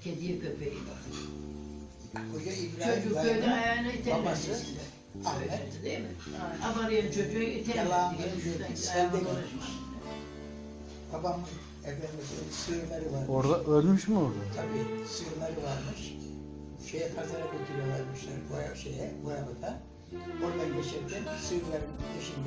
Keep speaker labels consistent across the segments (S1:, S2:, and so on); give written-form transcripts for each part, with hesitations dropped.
S1: kediye köpeği var.
S2: Koca İbrahim
S1: Çocuk böyle
S2: dayının
S1: ayağına iterler.
S2: babası Ahmet.
S1: Ahmet değil mi? Abarıyan çocuğu iterler.
S2: Yalan
S1: diye
S2: söylüyor,
S1: şuradan
S2: sen
S1: ayağına
S2: de
S1: dolaşma.
S2: Babam efendimizin sığırları varmış.
S3: Orada ölmüş mü orada?
S2: Tabii sığırları varmış. Pazara götürüyorlarmışlar Boyabat'a. Oradan geçerken sığırların peşinde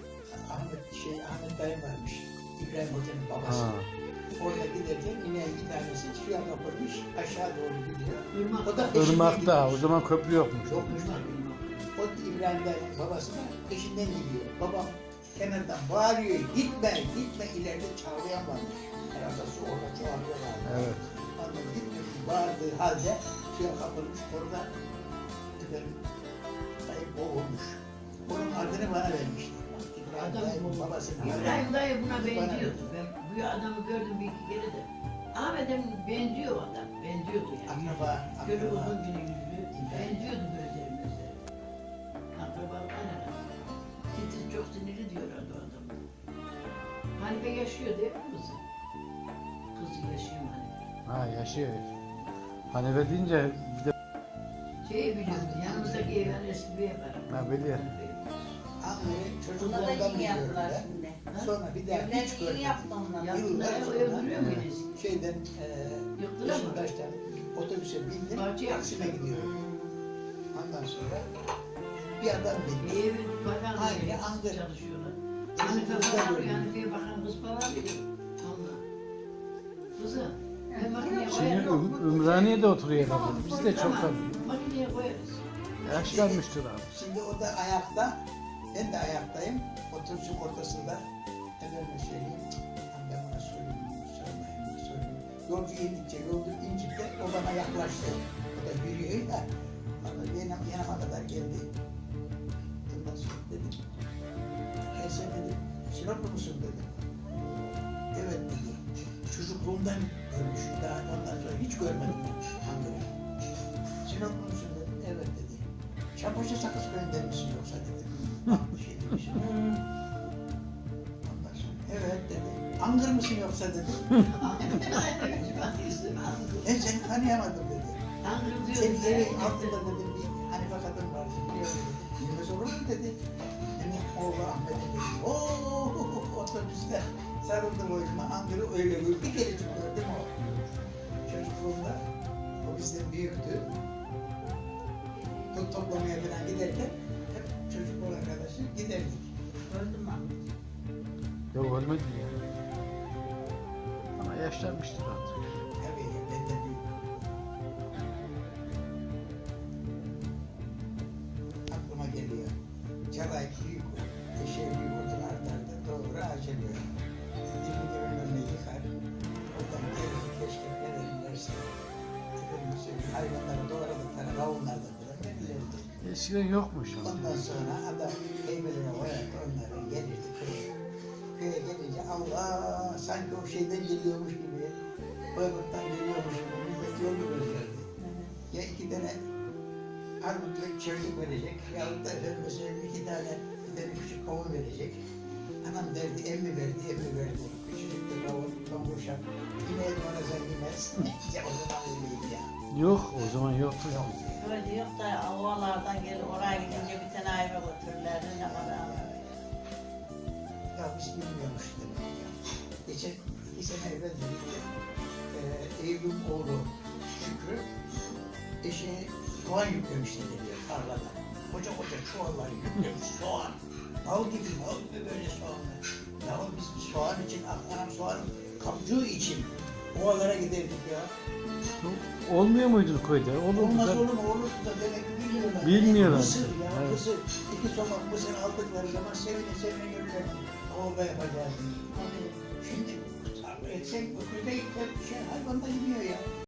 S2: Ahmet dayı varmış. İbrahim Hoca'nın babası.
S3: Ha.
S2: Orada giderken yine bir tanesi suya kapılmış, aşağı doğru gidiyor.
S1: Irmak.
S2: O da peşinden
S3: Irmak'ta, o
S2: gidiyor.
S3: zaman köprü yokmuş.
S2: Yokmuş. O İbrahim dayının babası da peşinden gidiyor. Babam kenardan bağırıyor, gitme, gitme, ileride çağlayan varmış. Herhalde su orada çoğalıyorlar.
S3: Evet.
S2: Ondan gitme, bağırdığı halde suya kapılmış, orada efendim, dayı boğulmuş. Onun adını bana vermişler. İbrahim dayının babası.
S1: İbrahim dayı buna benziyordu. Ben bu adamı gördüm bir iki kere de. Ahmet'e benziyor o adam. Benziyordu yani. Gözü uzun günü yüzlü. Benziyordu gözleri. Akrabalıktan herhalde. Titiz çok sinirli diyorlardı o adam. Hanife yaşıyor değil mi kızı? Kızı yaşıyor Hanife.
S3: Ha yaşıyor. Hanife deyince bir de
S1: Şeyi biliyordu, yanımızdaki evler eski bir ev var.
S3: Ha, biliyorum.
S2: Anlayı
S4: Buna da
S2: çocukluğundan
S4: yeni
S2: biliyorum
S4: yaptılar
S2: ben.
S4: şimdi.
S2: Sonra bir daha hiç
S4: Evlerini yeni
S2: görmedim.
S4: yaptı onlar.
S1: Yaptılar,
S2: Yıllar
S1: o
S2: sonra
S1: öldürüyor muyuz?
S2: şeyden
S1: Yıktılar mı?
S2: Beşiktaş'tan otobüse bindim,
S1: Bahçe
S2: Taksim'e
S1: yapmışlar.
S2: gidiyorum. Ondan sonra bir adam bindi.
S1: Evi bakan
S2: Aynı
S1: evi
S2: Ankara.
S1: çalışıyorlar.
S2: Bizim
S1: Hanife
S2: kızda
S1: falan,
S2: gördüm.
S1: Hanife'ye bakan kız falan diyor. Allah. Kızım, ben makineye
S3: şimdi
S1: koyarım.
S3: Ümraniye'de oturuyor herhalde. Biz de çok
S1: Tamam,
S3: tanıyoruz.
S1: makineye koyarız.
S3: Yaşlanmıştır abi.
S2: Şimdi o da ayakta, ben de ayaktayım. Otobüsün ortasında. Efendim söyleyeyim, ben buna sormayayım. Yolcu indikçe o bana yaklaştı. O da yürüyor da, yanıma kadar geldi. Ondan sonra dedim, sen dedim, Sinoplu musun dedim. Evet dedi. Çocukluğumdan görmüşüm daha ondan sonra hiç görmedim Ankara'yı. Sinoplu musun dedim. Evet dedi. Çapoşa sakız köyünden misin yoksa dedim. Bir şey demişim. Ondan sonra evet dedi. Angır mısın yoksa dedi. Ben seni tanıyamadım dedi. Senin evin altında dedim bir Hanife kadın var biliyor dedi. Bilmez olur mu dedi. Benim oğlu Ahmet'e dedi. Ooo otobüste sarıldı boynuma. Angır'ı öyle bir kerecik gördüm o. Çocukluğumda o bizden büyüktü. Tut toplamaya falan giderken hep çocukluk arkadaşı giderdik.
S4: Öldüm ben.
S3: Yok ölmedi ya. Ama yaşlanmıştır artık.
S2: Tabii benden büyük. Aklıma geliyor. Çalay büyük, eşeği büyük odun artardı. Doğru açılıyor. Dibini önüne yıkar. Oradan gelir, keşke verirlerse. Efendim söyleyeyim, hayvanları doğradıkları kavunlarda falan verirlerdi.
S3: Eskiden yokmuş ama.
S2: Ondan sonra adam heybeline koyardı onları gelirdi köye. Köye gelince Allah sanki o şeyden geliyormuş gibi, Bayburt'tan geliyormuş gibi millet yolu gözlerdi. Ya iki tane armutla çölük verecek, yahut da mesela bir tane küçük kavun verecek. Anam derdi, emmi verdi, emmi verdi. Küçücük bir kavun, kavuşak. Yine bana zengimez. Ya o zaman öyleydi ya.
S3: Yok o zaman yoktu.
S2: Yok.
S4: Öyle yok da ovalardan gelip oraya gidince bir tane ayva götürürlerdi. Ne kadar
S2: Ya biz bilmiyormuş demek ya. Geçen 2 sene evvel birlikte Eylül oğlu Şükrü eşeğe soğan yüklemişti deniyor tarlada. Koca koca çuvallar yüklemiş soğan. Bal gibi böyle soğanlar. Ya biz soğan için, anam soğan kapçığı için ovalara giderdik ya.
S3: Olmuyor muydu köyde? Olurdu
S2: Olmaz
S3: da.
S2: olur mu? Olurdu da demek ki bilmiyorlar.
S3: Bilmiyorlar.
S2: Mısır ya,
S3: Evet.
S2: mısır. 2 somak mısır aldıkları zaman sevine gelirler. Kavga yapacağız. Şimdi tarla etsen, öküze gitsen, hayvan da yemiyor ya.